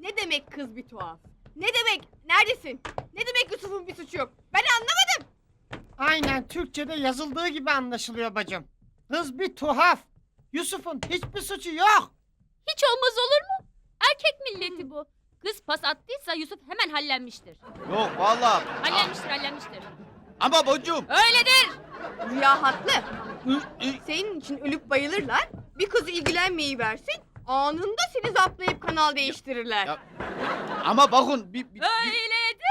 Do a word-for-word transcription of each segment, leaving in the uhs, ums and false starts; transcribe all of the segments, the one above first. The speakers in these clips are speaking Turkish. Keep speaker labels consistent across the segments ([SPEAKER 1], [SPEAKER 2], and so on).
[SPEAKER 1] Ne demek kız bir tuhaf? Ne demek? Neredesin? Ne demek Yusuf'un bir suçu yok? Ben anlamadım.
[SPEAKER 2] Aynen Türkçe'de yazıldığı gibi anlaşılıyor bacım. Kız bir tuhaf. Yusuf'un hiçbir suçu yok.
[SPEAKER 3] Hiç olmaz olur mu? Erkek milleti bu. Kız pas attıysa Yusuf hemen hallenmiştir.
[SPEAKER 4] Yok vallahi.
[SPEAKER 3] Hallenmiştir, hallenmiştir.
[SPEAKER 4] Ama bacım.
[SPEAKER 3] Öyledir.
[SPEAKER 1] Rüya haklı.
[SPEAKER 4] Ü- ü-
[SPEAKER 1] Senin için ölüp bayılırlar. Bir kızı ilgilenmeyi versin. Anında seni zaplayıp kanal değiştirirler.
[SPEAKER 4] Ya- Ama bakın bir, bir, bir-
[SPEAKER 3] Öyledir.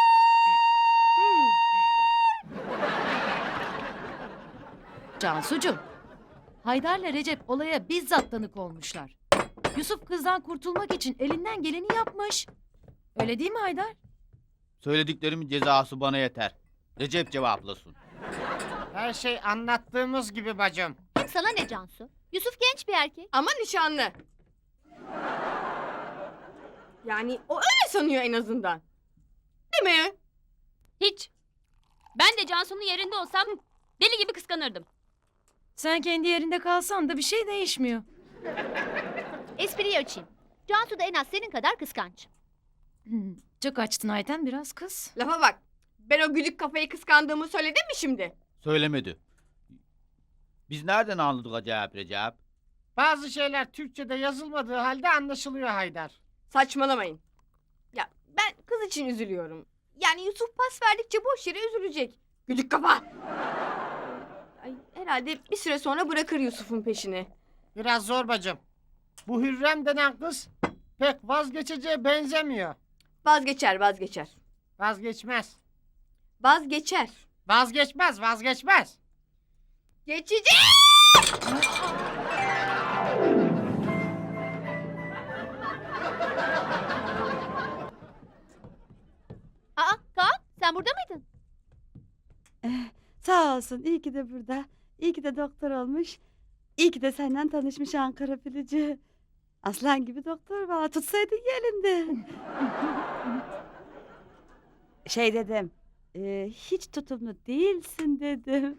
[SPEAKER 5] Cansucuğum, Haydar'la Recep olaya bizzat tanık olmuşlar. Yusuf kızdan kurtulmak için elinden geleni yapmış. Öyle değil mi Haydar?
[SPEAKER 4] söylediklerimin cezası bana yeter. Recep cevaplasın.
[SPEAKER 2] Her şey anlattığımız gibi bacım.
[SPEAKER 3] Hem sana ne Cansu? Yusuf genç bir erkek.
[SPEAKER 1] Ama nişanlı. Yani o öyle sanıyor en azından. Değil mi?
[SPEAKER 3] Hiç. Ben de Cansu'nun yerinde olsam deli gibi kıskanırdım.
[SPEAKER 5] Sen kendi yerinde kalsan da bir şey değişmiyor.
[SPEAKER 6] Espriyi açayım. Cansu da en az senin kadar kıskanç.
[SPEAKER 5] Hmm, çok açtın Ayten, biraz kız.
[SPEAKER 1] Lafa bak. Ben o güdük kafayı kıskandığımı söyledim mi şimdi?
[SPEAKER 4] Söylemedi. Biz nereden anladık acayip Recep?
[SPEAKER 2] Bazı şeyler Türkçe'de yazılmadığı halde anlaşılıyor Haydar.
[SPEAKER 1] Saçmalamayın. Ya ben kız için üzülüyorum. Yani Yusuf pas verdikçe boş yere üzülecek. Güdük kafa. Ay, herhalde bir süre sonra bırakır Yusuf'un peşini.
[SPEAKER 2] Biraz zor bacım. Bu Hürrem denen kız pek vazgeçeceğe benzemiyor.
[SPEAKER 1] Vazgeçer vazgeçer.
[SPEAKER 2] Vazgeçmez.
[SPEAKER 1] Vazgeçer.
[SPEAKER 2] Vazgeçmez, vazgeçmez.
[SPEAKER 1] Geçecek.
[SPEAKER 6] Aa Kaan sen burada mıydın?
[SPEAKER 7] Sağ olsun iyi ki de burada. İyi ki de doktor olmuş. İyi ki de senden tanışmış Ankara Filici. Aslan gibi doktor valla tutsaydın ya elinde. Şey dedim. e, hiç tutumlu değilsin dedim.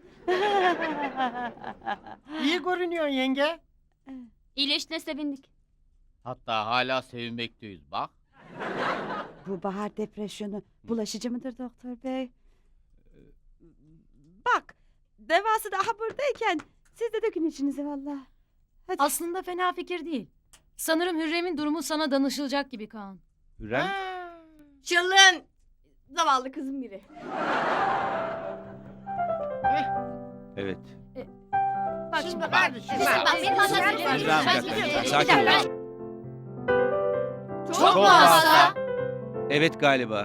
[SPEAKER 2] İyi görünüyorsun yenge.
[SPEAKER 3] İyileştiğine sevindik.
[SPEAKER 4] Hatta hala sevinmekteyiz bak.
[SPEAKER 7] Bu bahar depresyonu bulaşıcı mıdır doktor bey? Bak devası daha buradayken siz de dökün içinize valla. Hadi.
[SPEAKER 5] Aslında fena fikir değil. Sanırım Hürrem'in durumu sana danışılacak gibi Kaan.
[SPEAKER 8] Hürrem?
[SPEAKER 2] Ha.
[SPEAKER 1] Çılın. Zavallı kızım biri.
[SPEAKER 8] Evet.
[SPEAKER 5] Bak
[SPEAKER 2] Şimdi
[SPEAKER 5] şimdi.
[SPEAKER 2] kardeşim.
[SPEAKER 1] Kızım,
[SPEAKER 2] bak.
[SPEAKER 1] bak, benim anlatacağım.
[SPEAKER 8] Hürrem bir
[SPEAKER 1] Ben
[SPEAKER 8] dakika.
[SPEAKER 1] gidiyorum.
[SPEAKER 8] Sakin
[SPEAKER 1] Bir
[SPEAKER 8] ol.
[SPEAKER 1] dakika.
[SPEAKER 4] Çok
[SPEAKER 1] Çok
[SPEAKER 4] mu
[SPEAKER 1] mu hasta?
[SPEAKER 8] Evet galiba.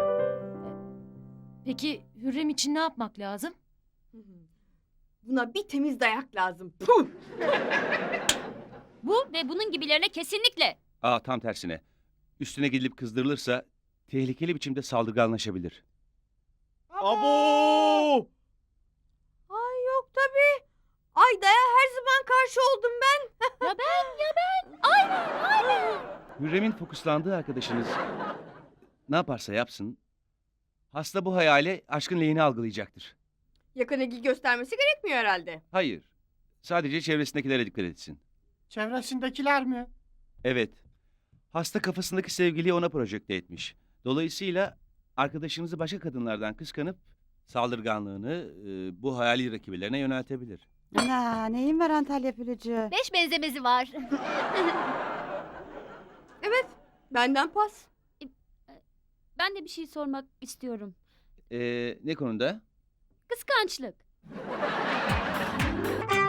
[SPEAKER 5] Peki Hürrem için ne yapmak lazım?
[SPEAKER 1] Buna bir temiz dayak lazım. Puh!
[SPEAKER 3] Bu ve bunun gibilerine kesinlikle.
[SPEAKER 8] Aa tam tersine. Üstüne gidilip kızdırılırsa tehlikeli biçimde saldırganlaşabilir.
[SPEAKER 4] Abo!
[SPEAKER 1] Ay yok tabii. Ay daya her zaman karşı oldum ben.
[SPEAKER 3] Ya ben ya ben. Aynen aynen.
[SPEAKER 8] Hürrem'in fokuslandığı arkadaşınız ne yaparsa yapsın hasta bu hayale aşkın lehini algılayacaktır.
[SPEAKER 1] Yakın ilgi göstermesi gerekmiyor herhalde.
[SPEAKER 8] Hayır. Sadece çevresindekilere dikkat etsin.
[SPEAKER 2] Çevresindekiler mi?
[SPEAKER 8] Evet. Hasta kafasındaki sevgiliyi ona projekte etmiş. Dolayısıyla arkadaşınızı başka kadınlardan kıskanıp saldırganlığını e, bu hayali rakiplerine yöneltebilir.
[SPEAKER 7] Ana neyin var Antalya Filici?
[SPEAKER 6] Beş benzemezi var.
[SPEAKER 1] Evet. Benden pas.
[SPEAKER 3] Ben de bir şey sormak istiyorum.
[SPEAKER 8] Ee, ne konuda?
[SPEAKER 3] Kıskançlık.